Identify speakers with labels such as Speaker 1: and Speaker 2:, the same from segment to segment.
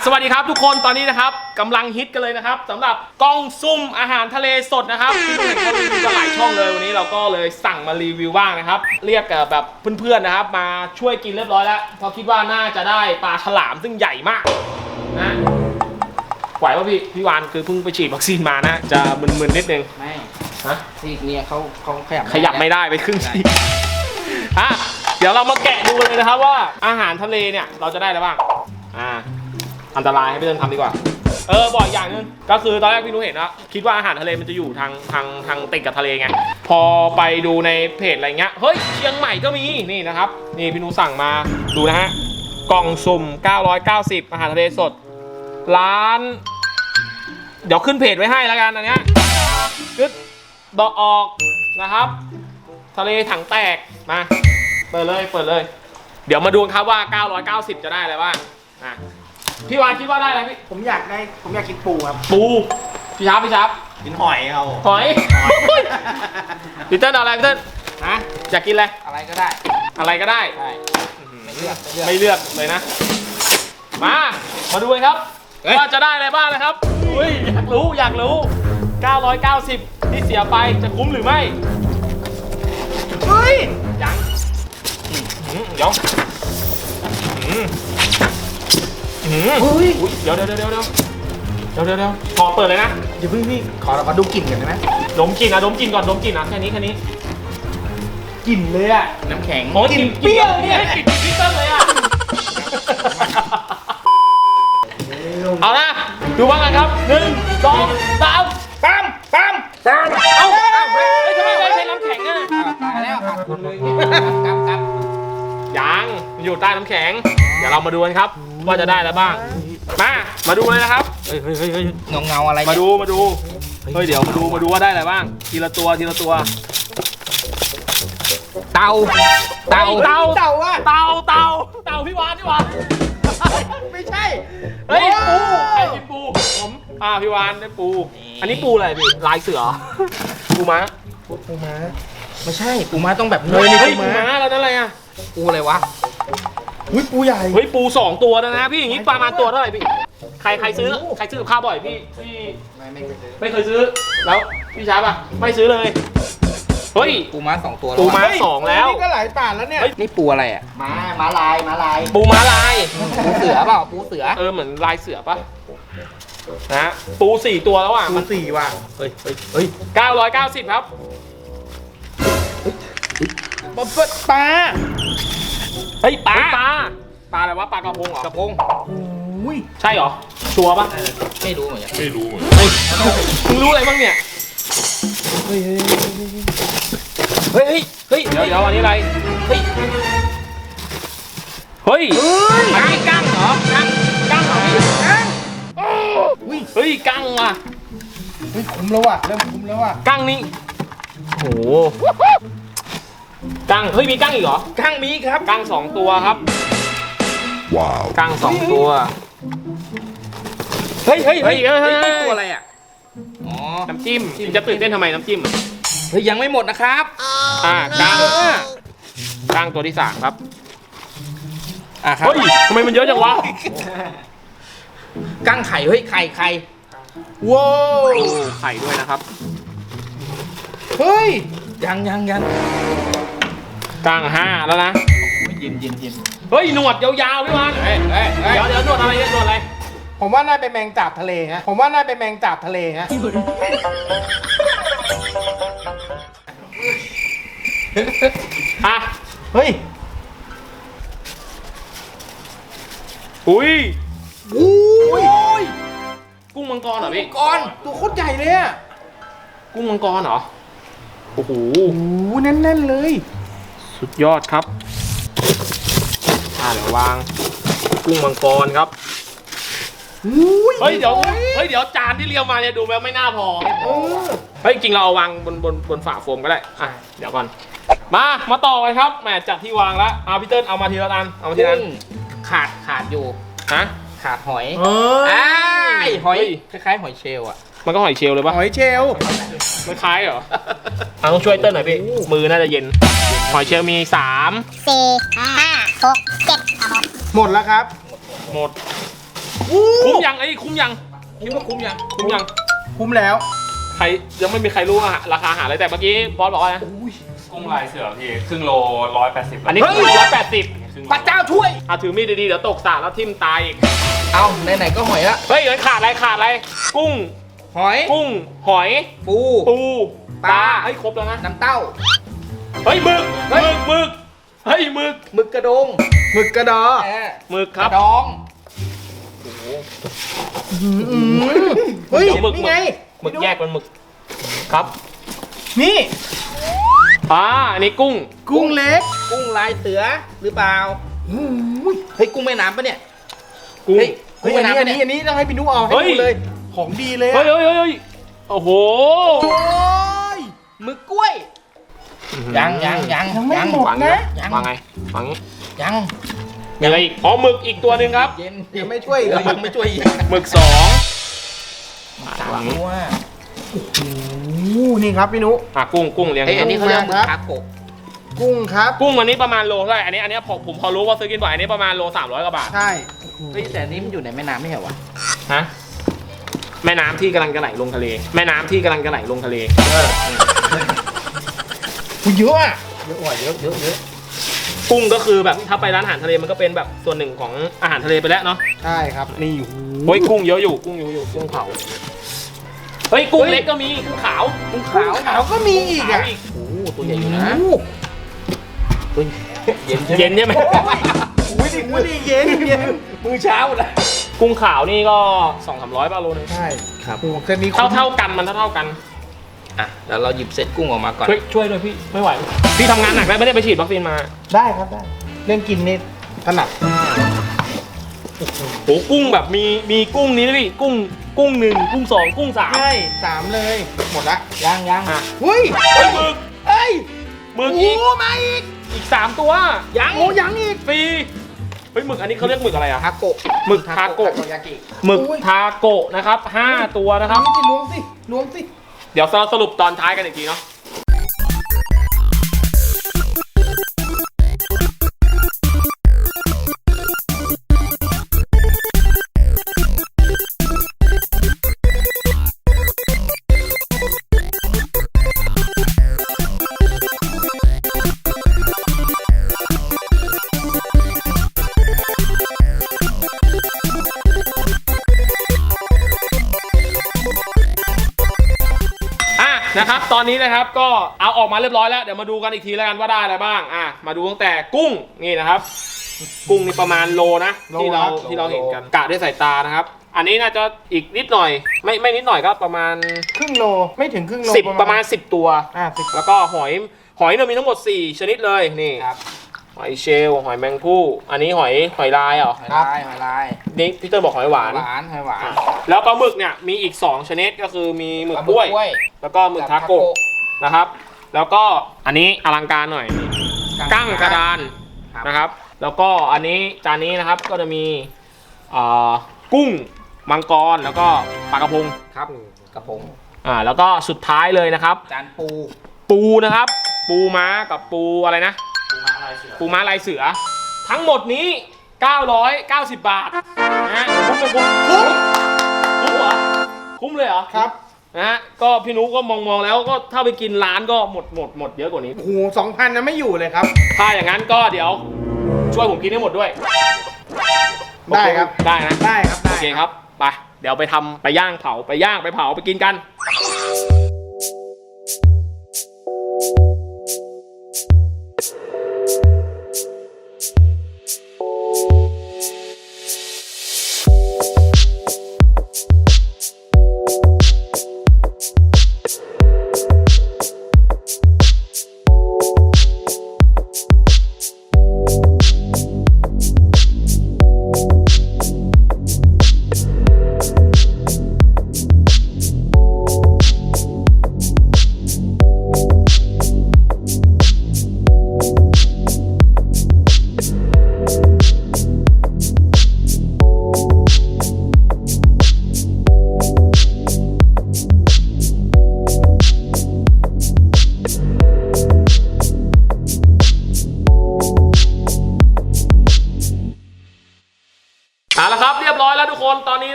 Speaker 1: สวัสดีครับทุกคนตอนนี้นะครับกำลังฮิตกันเลยนะครับสำหรับกล้องซุ่มอาหารทะเลสดนะครับที่เราเห็นเขารีวิวกันหลายช่องเลยวันนี้เราก็เลยสั่งมารีวิวบ้างนะครับเรียกแบบเพื่อนๆนะครับมาช่วยกินเรียบร้อยแล้วเพราะคิดว่าน่าจะได้ปลาฉลามซึ่งใหญ่มากนะไหวป่ะพี่วานคือเพิ่งไปฉีดวัคซีนมานะจะมึนๆนิดนึง
Speaker 2: ไม่
Speaker 1: ฮะ
Speaker 2: ซีกเนี่ยเขาขยับ
Speaker 1: ไม่ได้ไปครึ่งซีกเดี๋ยวเรามาแกะดูเลยนะครับว่าอาหารทะเลเนี่ยเราจะได้อะไรบ้างอันตรายให้พี่เติ้ลทำดีกว่าบอกอย่างนึงก็คือตอนแรกพี่นุ้เห็นนะคิดว่าอาหารทะเลมันจะอยู่ทางติดกับทะเลไงพอไปดูในเพจอะไรเงี้ยเฮ้ยเชียงใหม่ก็มีนี่นะครับนี่พี่นุ้สั่งมาดูนะฮะกล่องสุ่ม990อาหารทะเลสดร้านเดี๋ยวขึ้นเพจไว้ให้แล้วกันอันเนี้ยกึดดอกออกนะครับทะเลถังแตกมาเปิดเลยเดี๋ยวมาดูครับว่า990จะได้อะไรบ้างพี่วานคิดว่าได้อะไรพี่
Speaker 2: ผมอยากกินปูครับ
Speaker 1: ปูพี่ชับ
Speaker 2: กินหอยเอา
Speaker 1: หอยพี่เติ้ลเอาอะไรพี่เติ้ลอยากกินอะไร
Speaker 2: อะไรก็ได้
Speaker 1: ใช่
Speaker 2: ไม่เลือก
Speaker 1: เลยนะมาดูกันครับว่าจะได้อะไรบ้างนะครับอยากรู้990ที่เสียไปจะคุ้มหรือไม่ยังเดี๋ยวเดี๋ยวพอเปิดเลยนะ
Speaker 2: เดี๋ยวพี่ขอเรามาดมกลิ่นกันได้ไหม
Speaker 1: ดมกลิ่นก่อนแค่นี้
Speaker 2: กลิ่นเลยอะน้ำแข็ง
Speaker 1: กลิ่นเปรี้ยวเนี่ยกลิ่นพิเศษเลยอะเอานะดูบ้างกันครับ1 2 3ปั๊มเอาทำไมไม่ใช้น้ำแข็งอ่ะ
Speaker 2: ตายแล้วขาดทุนเลยกำ
Speaker 1: ยังอยู่ใต้น้ำแข็งเดี๋ยวเรามาดูกันครับว่าจะได้อะไรบ้างมาดูเลยนะครับ
Speaker 2: เงาอะไร
Speaker 1: มาดูเดี๋ยวมาดูว่าได้อะไรบ้างทีละตัว
Speaker 2: เต่า
Speaker 1: พี่วาน
Speaker 2: ไม่ใช่
Speaker 1: ปูใครกินปูผมพี่วานได้ปูอันนี้ปูอะไรพี่ลายเสือปูม้า
Speaker 2: ไม่ใช่ปูม้าต้องแบบ
Speaker 1: นี่ปูม้าแล้วนั่นอะไรอ่ะ
Speaker 2: ปูอะไรวะปูใหญ่
Speaker 1: ปู2ตัวนะพี่อย่างนี้ประมาณตัวเท่าไหร่พี่ใครซื้อกับข้าวบ่อยพี่ไม่เคยซื้อแล้วพี่ช้าป่ะไม่ซื้อเลย
Speaker 2: ปูม้า2ตัว
Speaker 1: ปูม้า2แล้ว
Speaker 2: นี่ก็หลายบาทแล้วเนี่ยนี่ปูอะไรอ่ะม้าลาย
Speaker 1: ปูม้าลาย
Speaker 2: ปูเสือเปล่าปูเสือ
Speaker 1: เหมือนลายเสือป่ะนะปู4ตัวแล้วอ่ะ
Speaker 2: ปู4ว่ะ
Speaker 1: 990ครับ
Speaker 2: ปลาปลา
Speaker 1: อะไรวะปลากระพงเหรอก
Speaker 2: ระพง
Speaker 1: ใช่เหรอชัวร์ป่ะ
Speaker 2: ไม่รู้เหมือนกัน
Speaker 1: มึงรู้อะไรบ้างเนี่ยเดี๋ยวอันนี้อะไรอันนี้กั้งเหรอกั้งเหรอกั้งว่ะ
Speaker 2: คุ้มแล้วว่ะเริ่มคุ้มแล้วว่ะ
Speaker 1: กั้งนี่โหกั้งมีกั้งอีกเหรอ
Speaker 2: กั้งมีครับ
Speaker 1: กั้ง2ตัวครับ
Speaker 3: ว้าว
Speaker 1: กั้ง2ตัว
Speaker 2: ตัวอะไรอ่ะ
Speaker 1: น้ำจิ้มจะตื่นเต้นทำไมน้ำจิ้ม
Speaker 2: ยังไม่หมดนะครับ
Speaker 1: กั้งตัวที่3ครับ
Speaker 2: ครับ
Speaker 1: ทำไมมันเยอะจังวะ
Speaker 2: กั้งไข่ไข่
Speaker 1: ว้าวไข่ด้วยนะครับ
Speaker 2: ยัง
Speaker 1: กั้ง5แล้วนะ
Speaker 2: เย็น
Speaker 1: หนวดยาวๆพี่วานเดี๋ยวหนวดอะไร
Speaker 2: ผมว่าน่าเป็นแมงสาบทะเลฮะ
Speaker 1: กุ้งมังกรเหรอพี่
Speaker 2: ตัวโคตรใหญ่เลยอะ
Speaker 1: กุ้งมังกรเหรอโอ้โห
Speaker 2: แน่นเลย
Speaker 1: สุดยอดครับเดี๋ยววางกุ้งมังกรครับเดี๋ยวจานที่เรียวมาเนี่ยดูแล้วไม่น่าพอจริงเราเอาวางบนฝาโฟมก็ได้เดี๋ยวก่อนมาต่อกันครับแหมจากที่วางแล้วพี่เติ้ลเอามาทีละอัน
Speaker 2: ขาดอยู่ขาดหอยหอยคล้ายๆหอยเชลล์อ่ะ
Speaker 1: มันก็หอยเชลล์เลยปะ
Speaker 2: หอยเชลล์
Speaker 1: ไม่คล้ายเหรอต้องช่วยเติ้ลหน่อยพี่มือน่าจะเย็นหอยเชลล์มี3 4 5 6 7ห
Speaker 2: มดแล้วครับ
Speaker 1: หมดคุ้มยังไอ้ยคุ้มยัง
Speaker 2: คิดว่าคุ้มยัง
Speaker 1: คุ้มยัง
Speaker 4: คุ้มแล้ว
Speaker 1: ใครยังไม่มีใครรู้ราคาอาหารเลยแต่เมื่อกี้บอสบอกว่านะ
Speaker 5: กุ้งลายเสือพี่ครึ่งโล180
Speaker 1: อันนี้คือ180
Speaker 2: พระเจ้าช่วย
Speaker 1: ถือมีดดีๆเดี๋ยวตกสระแล้วทิ่มตายอีก
Speaker 2: เอาไหนๆก็หอยละ
Speaker 1: เฮ้ยเดี๋ยวขาดอะไร กุ้ง
Speaker 2: หอย
Speaker 1: กุ้ง หอย
Speaker 2: ปู
Speaker 1: ปูป
Speaker 2: ป
Speaker 1: ลา
Speaker 2: ลา
Speaker 1: เฮ้ยครบแล้วนะ
Speaker 2: น้ำเต้า
Speaker 1: เฮ้ยหมึกเฮ้ยหมึกเฮ้ยหมึก
Speaker 2: หมึกกระดง
Speaker 4: หมึกกระดอ
Speaker 1: หมึกครับ
Speaker 2: กระดอง
Speaker 4: เฮ้ย
Speaker 1: เดี๋ยวหมึก
Speaker 4: นี่ไง
Speaker 1: หมึกแยกเป็นหมึกครับ
Speaker 4: นี่
Speaker 1: อันนี้กุ้ง
Speaker 4: กุ้งเล็ก
Speaker 2: กุ้งลายเสือหรือเปล่าเฮ้ยกุ้งแม่น้ำปะเนี่ย
Speaker 1: กุ้ง
Speaker 2: เฮ้ย
Speaker 4: เฮ้ยอันนี้ต้องให้พี่นุเอาให้
Speaker 1: เฮ้ย
Speaker 4: ดูเลย ของดีเลย
Speaker 1: เฮ้
Speaker 4: อะ
Speaker 1: ยโอ้โห
Speaker 4: โอ้ย
Speaker 2: หมึกกล้วย ยัง
Speaker 4: ยังไม่หมด
Speaker 1: วาง
Speaker 4: นะ
Speaker 2: ยัง
Speaker 1: วางไงวางงี้
Speaker 2: ยัง
Speaker 1: มีอะไรอีกอ๋อหมึกอีกตัวหนึ่งครับ
Speaker 2: เย็น
Speaker 4: ยังไม่ช่วยอีก
Speaker 2: เอ
Speaker 4: เหร
Speaker 2: อ
Speaker 4: อ
Speaker 2: ยังไม่ช่วยอีก
Speaker 1: หมึกสอง
Speaker 2: สามตัว
Speaker 4: โอ้นี่ครับพี่นุ
Speaker 1: กุ้งเลี้ยง
Speaker 2: เฮ้ยอันนี้เขาเรียกหมึก
Speaker 4: ครับ
Speaker 2: คาโกะ
Speaker 4: กุ้งครับ
Speaker 1: กุ้งอันนี้ประมาณโลเท่าไหร่อันนี้ผมพอรู้ว่าซื้อกินบ่อยอันนี้ประมาณโล300กว่าบาท
Speaker 4: ใช่
Speaker 2: เฮ้ยแต่อันนี้มันอยู่ในแม่น้ำไม่ใช่เหรอวะ
Speaker 1: ฮะแม่น้ำที่กำลังจะไหลลงทะเลแม่น้ำที่กำลังจะไหลลงทะเล
Speaker 4: กูเยอะอะ
Speaker 2: เยอะว่ะเยอะ
Speaker 1: กุ้งก็คือแบบถ้าไปร้านอาหารทะเลมันก็เป็นแบบส่วนหนึ่งของอาหารทะเลไปแล้วเนาะ
Speaker 4: ใช่ครับ นี่
Speaker 1: เฮ้ยกุ้งเยอะอยู่กุ้งกุ้งเผาเฮ้ยกุ้งเล็กก็มีกุ้งขาว
Speaker 2: กุ้ง
Speaker 4: ขาว
Speaker 2: ขาว
Speaker 4: ขาวก็มีอีก
Speaker 1: ขาว
Speaker 4: อ่ะ
Speaker 1: อีก
Speaker 2: โอ้โหตัวใหญ่อยู่นะ
Speaker 4: โอ้
Speaker 2: ตัวเย็น
Speaker 1: เย็นใช่ไหม
Speaker 4: ไม่ได้เย็นเย็น
Speaker 2: มือเช้าเลย
Speaker 1: กุ้งขาวนี่ก็200-300บาทโลนึง
Speaker 4: ใช่
Speaker 2: ครับ
Speaker 4: โอ้เส้นนี้
Speaker 1: เท่ากันมันเท่ากัน
Speaker 2: อ่ะแล้วเราหยิบเซตกุ้งออกมาก่อน
Speaker 1: ช่วยด้วยพี่ไม่ไหวพี่ทำงานหนักแล้วไม่ได้ไปฉีดวัคซีนมา
Speaker 4: ได้ครับได้ เรื่องกินนี่ถนัด
Speaker 1: โหกุ้งแบบมีกุ้งนี้นะพี่กุ้ง1กุ้ง2กุ้ง3
Speaker 4: ใช่3เลย หมดละ
Speaker 2: ยัง
Speaker 1: อ่ะ
Speaker 4: เฮ้ย
Speaker 1: เฮ้ยหมึก
Speaker 4: เฮ้ย
Speaker 1: หมึก
Speaker 4: โอ้
Speaker 1: อีก
Speaker 4: มาอีก
Speaker 1: 3ตัวยัง
Speaker 4: โอ้ยังอีก
Speaker 1: ฟรีเฮ้ยหมึกอันนี้เขาเรียกหมึกอะไรอะ
Speaker 2: ทาโกะ
Speaker 1: หมึกทาโกะ
Speaker 2: ยากิ
Speaker 1: หมึกทาโกะนะครับ5ตัวนะครับ
Speaker 4: นี่สิล้วงสิล้วงสิ
Speaker 1: เดี๋ยวสรุปตอนท้ายกันอีกทีเนาะนะครับตอนนี้นะครับก็เอาออกมาเรียบร้อยแล้วเดี๋ยวมาดูกันอีกทีแล้วกันว่าได้อะไรบ้างมาดูตั้งแต่กุ้งนี่นะครับ กุ้งนี่ประมาณโลนะที่เราเห็นกันกะด้วยสายตานะครับ อันนี้น่าจะอีกนิดหน่อยไม่นิดหน่อยก็ประมาณ
Speaker 4: ครึ่งโลไม่ถึงครึ่งโล
Speaker 1: 10ประมาณ10ตัว
Speaker 4: 10
Speaker 1: แล้วก็หอยเนี่ยมีทั้งหมด4ชนิดเลยนี่
Speaker 2: ครับ
Speaker 1: หอยเชลล์หอยแมงผู้อันนี้หอยลายเหรอ
Speaker 2: หอยลาย
Speaker 1: นี่พี่เติ้ลบอกหอยหวาน
Speaker 2: หอยหวาน
Speaker 1: แล้วปลาหมึกเนี่ยมีอีก2ชนิดก็คือมีหมึกกล้วย แล้วก็หมึกทาโกะนะครับ แล้วก็อันนี้อลังการหน่อยกั้งกระดานนะครับ แล้วก็อันนี้จานนี้นะครับก็จะมีกุ้งมังกรแล้วก็ปลากระพง
Speaker 2: ครับกระพง
Speaker 1: แล้วก็สุดท้ายเลยนะครับ
Speaker 2: จานปู
Speaker 1: ปูนะครับ ปูม้ากับปูอะไรนะ ปูม้าลายเสือ ทั้งหมดนี้ 990 บาทนะฮะคุ้มเหรอคุ้มเลยเหรอ
Speaker 4: ครับ
Speaker 1: นะฮะก็พี่นุก็มองแล้วก็ถ้าไปกินร้านก็หมดเยอะกว่านี้
Speaker 4: โอ้โห2,000นะไม่อยู่เลยครับ
Speaker 1: ถ้าอย่างนั้นก็เดี๋ยวช่วยผมกินให้หมดด้วย
Speaker 4: ได้ครับ
Speaker 1: ได้นะ
Speaker 4: ได้ครับ
Speaker 1: โอเคครับไปเดี๋ยวไปย่างเผาไปย่างไปเผาไปกินกัน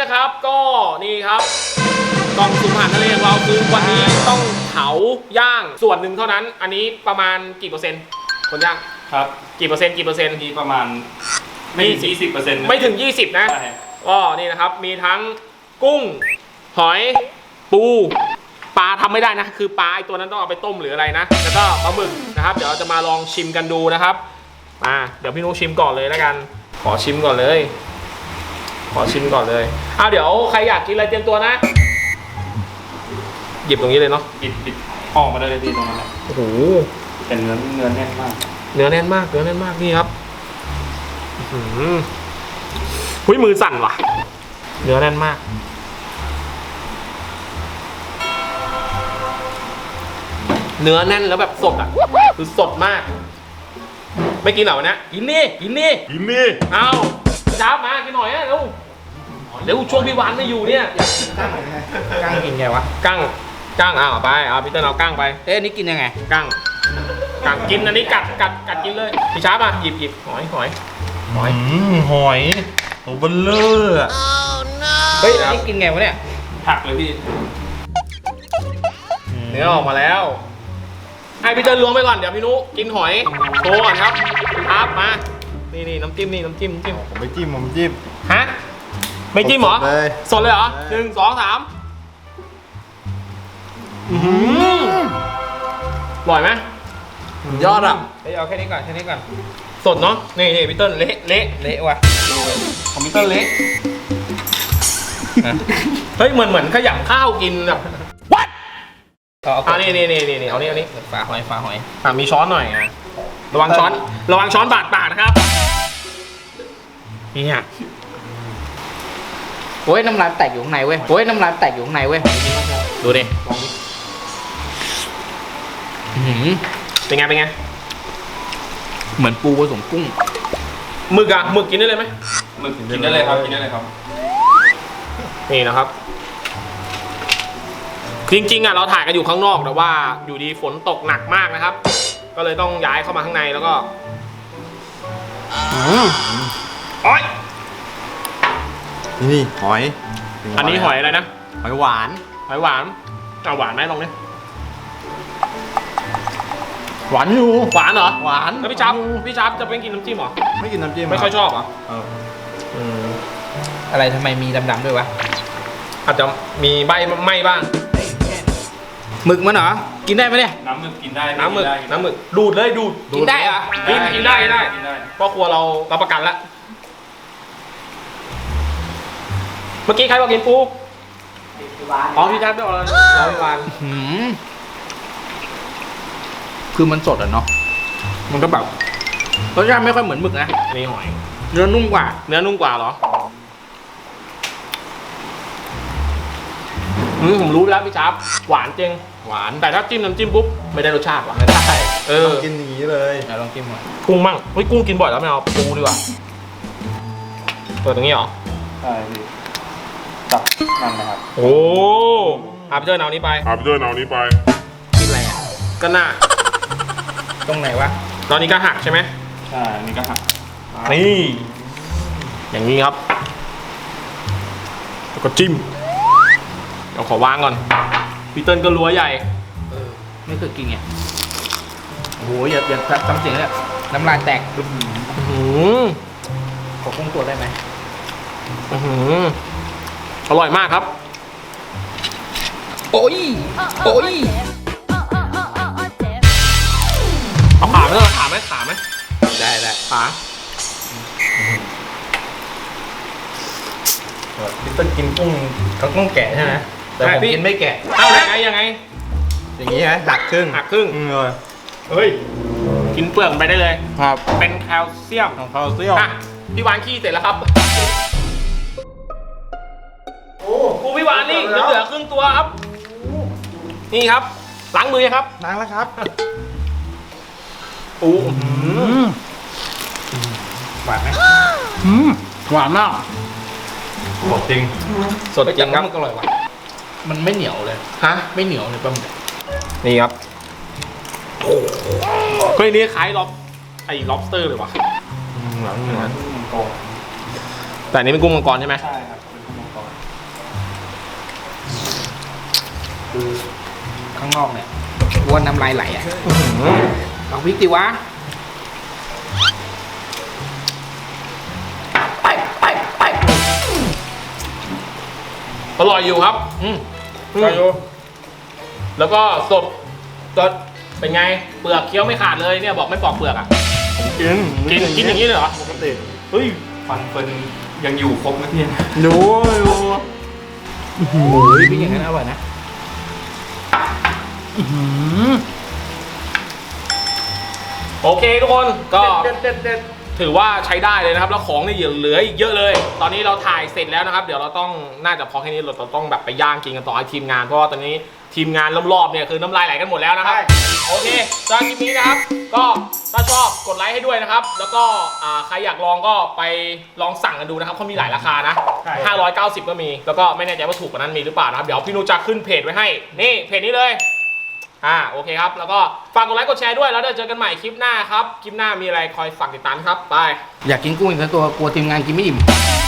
Speaker 1: นะครับก็นี่ครับกล่องสุ่มอาหารทะเลของเราคือวันนี้ต้องเผาย่างส่วนหนึ่งเท่านั้น อันนี้ประมาณกี่เปอร์เซ็นต์คนย่าง
Speaker 5: ครับ
Speaker 1: กี่เปอร์เซ็นต์
Speaker 5: มีประมาณไม่ถึง20%นะ
Speaker 1: ไม่ถึง 20 นะ
Speaker 5: ใช่
Speaker 1: ก็นี่นะครับมีทั้งกุ้งหอยปูปลาทำไม่ได้นะคือปลาไอตัวนั้นต้องเอาไปต้มหรืออะไรนะแล้วก็ปลาหมึกนะครับเดี๋ยวเราจะมาลองชิมกันดูนะครับเดี๋ยวพี่นุชิมก่อนเลยแล้วกันขอชิมก่อนเลยเดี๋ยวใครอยากกินอะไรเตรียมตัวนะหยิบตรงนี้เลยเนาะ
Speaker 5: ปิดออกมาได้เลยพี่ตรงนั้นแหละ
Speaker 1: โอ้โห
Speaker 5: เป็นเนื้อแน่นมาก
Speaker 1: เนื้อแน่นมากนี่ครับหุ้ยมือสั่นว่ะเนื้อแน่นมากเนื้อแน่นแล้วแบบสดอ่ะคือสดมากไม่กินเหรอวะเนี่ยกินนี่เอาพี่ช้ามากินหน่อยอะเร็วช่วงพี่วานไม่อยู่เนี่ย
Speaker 2: กั้งกินไงวะ
Speaker 1: กั้งเอาไปพี่เต้นเอากั้งไป
Speaker 2: เอ๊ะอันนี่กินยังไง
Speaker 1: กั้งกินอันนี้กัดกินเลยพี่ช้ามาหยิบหอย
Speaker 4: หอยโอ้เบลเลอร์
Speaker 2: เฮ้ยอันนี้กินไงวะเนี่ย
Speaker 5: หักเลยพี่
Speaker 1: เนื้อออกมาแล้วให้พี่เต้นล้วงไปก่อนเดี๋ยวพี่นุกินหอยโชว์ก่อนครับมานี่น้ำจิ้ม
Speaker 4: ผมไม่จิ้ม
Speaker 1: ฮะไม่จิ้มเหรอ
Speaker 4: สดเลย
Speaker 1: สดเลยเหรอ
Speaker 4: ใช่
Speaker 1: 1 2 3อร่อยไหม
Speaker 2: ยอดอ่ะเฮ้ยเอาแค่นี้ก่อน
Speaker 1: สดเนาะนี่พี่เต้นเละ
Speaker 2: เละว่ะ
Speaker 1: ของพี่เต้นเละเฮ้ยเหมือนขยำข้าวกินแบบ what
Speaker 2: เอา
Speaker 1: นี่เอานี่
Speaker 2: ฝาหอย
Speaker 1: มีช้อนหน่อยนะระวังช้อนบาดปากนะครับนี่ฮะ
Speaker 2: โอ้ยน้ำลายแตกอยู่ข้างในเว้ย
Speaker 1: ดูดิ เป็นไง
Speaker 2: เหมือนปูผสมกุ้ง
Speaker 1: หมึกกินได้เลยไหม
Speaker 5: หมึกกินได้เลยครับ
Speaker 1: นี่นะครับจริงๆเราถ่ายกันอยู่ข้างนอกแต่ว่าอยู่ดีฝนตกหนักมากนะครับ ก็เลยต้องย้ายเข้ามาข้างในแล้วก็อ้อย
Speaker 4: นี่หอย
Speaker 1: อันนี้หอยอะไรนะ
Speaker 4: หอยหวาน
Speaker 1: หอยหวานเอาหวานไหมลองดิ
Speaker 4: หวานอยู่
Speaker 1: หวานเหรอ
Speaker 4: หวาน
Speaker 1: แล้วพี่ชับจะเป็นกินน้ำจิ้มเหรอ
Speaker 4: ไม่กินน้ำจิ้ม
Speaker 1: ไม่ค่อยชอบเหรอ
Speaker 2: อะไรทำไมมีดำๆด้วยวะ
Speaker 1: อาจจะมีใบไหม้บ้าง
Speaker 2: หมึกมันเหรอกินได้ไหมเนี่ย
Speaker 5: น้ำหมึกกินได้
Speaker 1: น้ำหมึกดูดเลยดูด
Speaker 2: กินได้เหรอ
Speaker 1: กินได้เพราะครัวเรารับประกันแล้วเมื่อกี้ใครบอกกินปูอ๋อพี่ชับได้บอกแล้วเราพี่วาน
Speaker 2: คือมันสดอ่ะเนาะมันก็แบบรสชาติไม่ค่อยเหมือนหมึกนะ
Speaker 1: อันนี้หอย
Speaker 2: เนื้อนุ่มกว่า
Speaker 1: เนื้อนุ่มกว่าเหรอผมรู้แล้วพี่ชับหวานจริง
Speaker 4: หวาน
Speaker 1: แต่ถ้าจิ้มน้ำจิ้มปุ๊บไม่ได้รสชาติว่ะ
Speaker 2: ไม่ได้
Speaker 4: กินอย่างนี้เลย
Speaker 2: ลองกินหน่อย
Speaker 1: กุ้งมั่งเฮ้ยกุ้งกินบ่อยแล้วไม่เอาปูดีกว่าเปิดตรงนี้เหรอ
Speaker 5: ใช่พี่จับนั่นนะครับ
Speaker 1: โอ้พี่เจ้าเอานี้ไป
Speaker 2: กินอะไรอ่ะ
Speaker 1: ก็น่า
Speaker 2: ตรงไหนวะ
Speaker 1: ตอนนี้ก็หักใช่ไหม
Speaker 5: ใช่อันนี่ก็หัก
Speaker 1: นี่อย่างนี้ครับแล้วก็จิ้มเดี๋ยวขอวางก่อนพี่เติ้ลก็รัวใหญ่
Speaker 2: ไม่เคยกินไงโอ้โหอย่าทำเสียงเนี่ยน้ำลายแตก
Speaker 1: อื้อหือ
Speaker 2: ขอคงตัวได้ไหม
Speaker 1: อื้อหืออร่อยมากครับ
Speaker 2: โอ้ย
Speaker 1: เอาขาไหมขาไหม
Speaker 2: ได้
Speaker 1: ขา
Speaker 4: พี่ต้นกินกุ้งเขาต้องแกะใช่ไหมแต่ผมกินไม่แกะ
Speaker 1: เอายังไง
Speaker 4: อย่างนี้ไหมหักครึ่ง
Speaker 1: หักครึ่ง
Speaker 4: เลย
Speaker 1: เฮ้ยกินเปลือกมันไปได้เลย
Speaker 4: ครับ
Speaker 1: เป็นแคลเซียม
Speaker 4: ของเขาเซี่ยว
Speaker 1: อ่ะพี่วานขี้เสร็จแล้วครับกูพี่วานนี่เหลือครึ่งตัวครับนี่ครับล้างมือครับ
Speaker 4: ล้างแล้วครับ
Speaker 1: อู้
Speaker 2: หวานไหม
Speaker 4: หวานมากสดจริง
Speaker 1: สดจริงครับ
Speaker 2: มันก็อร่อยว่ะมันไม่เหนียวเลย
Speaker 1: ฮะ
Speaker 2: ไม่เหนียวเลยปลาหมึก
Speaker 1: นี่ครับเฮ้ยนี่คล้ายlobster เลยวะ
Speaker 4: หลัง
Speaker 5: มังกร
Speaker 1: แต่อันนี้เป็นกุ้งมังกรใช่ไหม
Speaker 5: ใช่ครับเป็นมังกร
Speaker 2: คือข้างนอกเนี่ยวัวน้ำลายไหลอ่ะลองพริกดิวะไป
Speaker 1: อร่อยอยู่ครับอร่อยอยู่แล้วก็สดเป็นไงเปลือกเคี้ยวไม่ขาดเลยเนี่ยบอกไม่ปอกเปลือกอ่ะ กินอย่างนี้เลยเหรอ
Speaker 4: ปกติ
Speaker 1: เฮ้ย
Speaker 5: ฟันเฟิร์นยังอยู่ครบนะพี่
Speaker 4: ดู
Speaker 2: โอ้ยพริกอย่างนั้นอร่อยนะ
Speaker 1: โอเคทุกคนก็
Speaker 4: เด็ด
Speaker 1: ถือว่าใช้ได้เลยนะครับแล้วของนี่เหลืออีกเยอะเลย ตอนนี้เราถ่ายเสร็จแล้วนะครับ เดี๋ยวเราต้องน่าจะพอแค่นี้เราต้องแบบไปย่างกินกันต่อให้ทีมงานเพราะว่าตอนนี้ทีมงานรอบๆเนี่ยคือน้ำลายไหลกันหมดแล้วนะครับโอเคสำหรับคลิปนี้นะครับ ก็ถ้าชอบกดไลค์ให้ด้วยนะครับ แล้วก็ใครอยากลองก็ไปลองสั่งกันดูนะครับเขามีหลายราคานะ590ก็มีแล้วก็ไม่แน่ใจว่าถูกกว่านั้นมีหรือเปล่านะครับเดี๋ยวพี่นุจะขึ้นเพจไว้ให้นี่เพจนี้เลยโอเคครับแล้วก็ฝากกดไลค์กดแชร์ด้วยแล้วเดี๋ยวเจอกันใหม่คลิปหน้าครับคลิปหน้ามีอะไรคอยฝากติดตามครับบาย
Speaker 2: อยากกินกุ้งอีกสักตัวกลัวทีมงานกินไม่อิ่ม